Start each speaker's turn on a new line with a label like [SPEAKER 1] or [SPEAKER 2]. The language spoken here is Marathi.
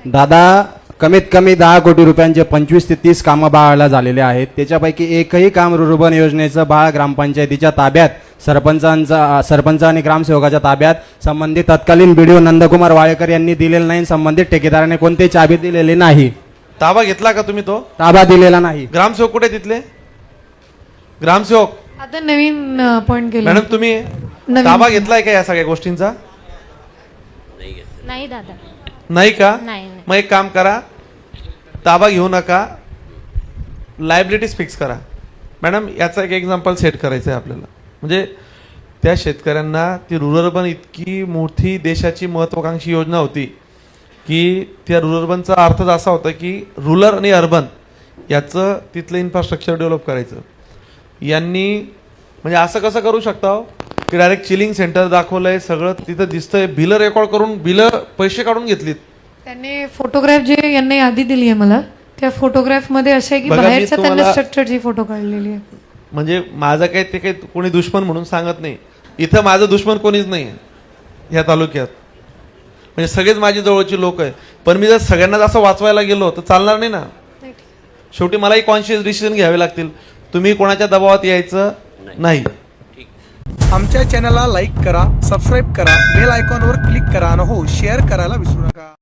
[SPEAKER 1] दादा कमीत कमी 10 कोटी रुपयांचे 25 ते 30 कामं बाळाला झालेले आहेत. त्याच्यापैकी एकही काम रुर्बन योजनेचं बाळ ग्रामपंचायतीच्या ताब्यात सरपंच आणि ग्रामसेवकाच्या ताब्यात संबंधित तत्कालीन बीडीओ नंदकुमार वाळेकर यांनी दिलेलं नाही. संबंधित ठेकेदाराने कोणतेही चाबी दिलेली नाही.
[SPEAKER 2] ताबा घेतला का तुम्ही? तो
[SPEAKER 1] ताबा दिलेला नाही.
[SPEAKER 2] ग्रामसेवक कुठे तिथले? ग्रामसेवक
[SPEAKER 3] आता नवीन अपॉइंट केलं.
[SPEAKER 2] मॅडम तुम्ही
[SPEAKER 3] नवीन.
[SPEAKER 2] ताबा घेतलाय का या सगळ्या गोष्टींचा?
[SPEAKER 4] नाही दादा,
[SPEAKER 2] नाही का?
[SPEAKER 4] नाही.
[SPEAKER 2] मग एक काम करा, ताबा घेऊ नका, लायबिलिटीज फिक्स करा. मॅडम याचा एक एक्झाम्पल सेट करायचं आहे आपल्याला. म्हणजे त्या शेतकऱ्यांना ती रुरल अर्बन इतकी मोठी देशाची महत्वाकांक्षी योजना होती की त्या रुरल अर्बनचा अर्थच असा होता की रुरल आणि अर्बन याचं तिथलं इन्फ्रास्ट्रक्चर डेव्हलप करायचं. यांनी म्हणजे असं कसं करू शकता हो की डायरेक्ट चिलिंग सेंटर दाखवलंय, सगळं तिथं दिसतंय, बिलं रेकॉर्ड करून बिलं पैसे काढून घेतलीत.
[SPEAKER 3] त्यांनी फोटोग्राफ जे यांनी यादी दिली आहे मला, त्या फोटोग्राफ मध्ये असं आहे की
[SPEAKER 2] बघा, मी
[SPEAKER 3] बाहेरच्या त्यांना
[SPEAKER 2] तुम्हाला-
[SPEAKER 3] स्ट्रक्चरची फोटो काढलेली आहे.
[SPEAKER 2] म्हणजे माझं काही ते काही कोणी दुश्मन म्हणून सांगत नाही. इथं माझं दुश्मन कोणीच नाही आहे ह्या तालुक्यात. म्हणजे सगळेच माझी जवळची लोक आहे. पण मी जर सगळ्यांना असं वाचवायला गेलो तर चालणार नाही ना. शेवटी मलाही कॉन्शियस डिसिजन घ्यावे लागतील. तुम्ही कोणाच्या दबावात यायचं नाही.
[SPEAKER 5] आमच्या चॅनलला लाईक करा, सबस्क्राईब करा, बेल आयकॉनवर क्लिक करा आणि हो शेअर करायला विसरू नका.